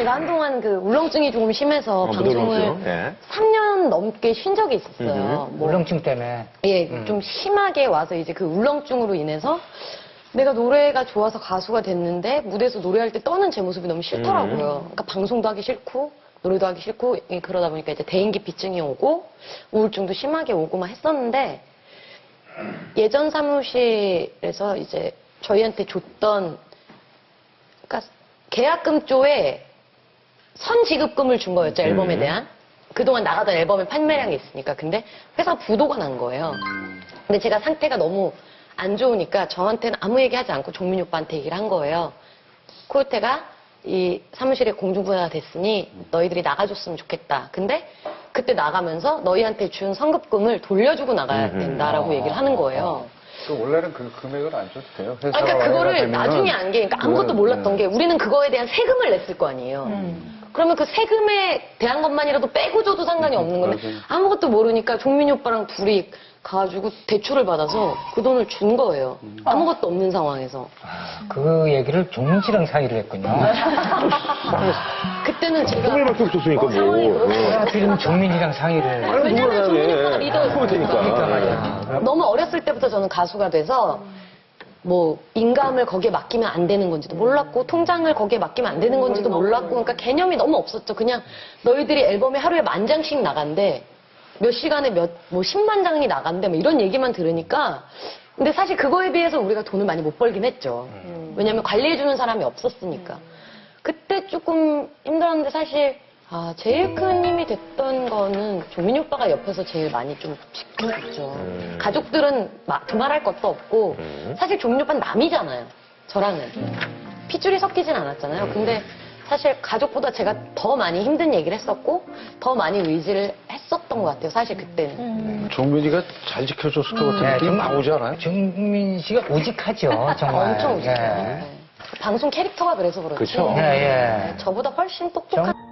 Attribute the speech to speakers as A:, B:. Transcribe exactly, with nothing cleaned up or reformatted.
A: 제가 한동안 그 울렁증이 조금 심해서
B: 어,
A: 방송을
B: 울렁증? 예.
A: 삼 년 넘게 쉰 적이 있었어요. 뭐,
C: 울렁증 때문에.
A: 예,
C: 음.
A: 좀 심하게 와서 이제 그 울렁증으로 인해서 내가 노래가 좋아서 가수가 됐는데 무대에서 노래할 때 떠는 제 모습이 너무 싫더라고요. 그러니까 방송도 하기 싫고 노래도 하기 싫고 예, 그러다 보니까 이제 대인기피증이 오고 우울증도 심하게 오고 막 했었는데 예전 사무실에서 이제 저희한테 줬던 그러니까 계약금 쪽에 선지급금을 준 거였죠, 앨범에 대한. 그동안 나가던 앨범의 판매량이 있으니까. 근데 회사 부도가 난 거예요. 근데 제가 상태가 너무 안 좋으니까 저한테는 아무 얘기 하지 않고 종민이 오빠한테 얘기를 한 거예요. 코요태가 이 사무실에 공중분해가 됐으니 너희들이 나가줬으면 좋겠다. 근데 그때 나가면서 너희한테 준 성급금을 돌려주고 나가야 된다라고 얘기를 하는 거예요.
D: 그 원래는 그 금액을 안 줘도 돼요.
A: 아, 그러니까 그거를 나중에 안 게, 그러니까 아무것도 몰랐던 게 우리는 그거에 대한 세금을 냈을 거 아니에요. 그러면 그 세금에 대한 것만이라도 빼고 줘도 상관이 없는 건데 아무것도 모르니까 종민이 오빠랑 둘이 가가지고 대출을 받아서 그 돈을 준 거예요. 아무것도 없는 상황에서.
C: 그 얘기를 종민 씨랑 사이를 했군요.
A: 그때는 제가
B: 통일밖에 없었으니까 뭐.
A: 상황이 그렇고
C: 하필이면 종민이랑 사이를.
B: 아니,
A: 왜냐면 종민이 오빠가 리더
B: 코요태니까.
C: 그러니까 말이야.
A: 너무 어렸을 때부터 저는 가수가 돼서 뭐 인감을 거기에 맡기면 안 되는 건지도 몰랐고 통장을 거기에 맡기면 안 되는 건지도 몰랐고 그러니까 개념이 너무 없었죠. 그냥 너희들이 앨범에 하루에 만 장씩 나간대. 몇 시간에 몇, 뭐 십만 장이 나간대. 뭐 이런 얘기만 들으니까 근데 사실 그거에 비해서 우리가 돈을 많이 못 벌긴 했죠. 왜냐면 관리해주는 사람이 없었으니까. 그때 조금 힘들었는데 사실 아, 제일 큰 힘이 됐던 거는 종민이 오빠가 옆에서 제일 많이 좀 지켜줬죠.
B: 음.
A: 가족들은 마- 두말할 것도 없고
B: 음.
A: 사실 종민이 오빠는 남이잖아요. 저랑은. 핏줄이 섞이진 않았잖아요. 근데 사실 가족보다 제가 더 많이 힘든 얘기를 했었고 더 많이 의지를 했었던 것 같아요. 사실 그때는.
D: 종민이가 잘 지켜줬을 것 같은
C: 네,
D: 느낌이
C: 종-
D: 나오지 않아요?
C: 종민 씨가 우직하죠, 정말.
A: 엄청 우직해요.
C: 예.
A: 네. 방송 캐릭터가 그래서 그렇지.
B: 그쵸.
C: 예, 예.
A: 저보다 훨씬 똑똑한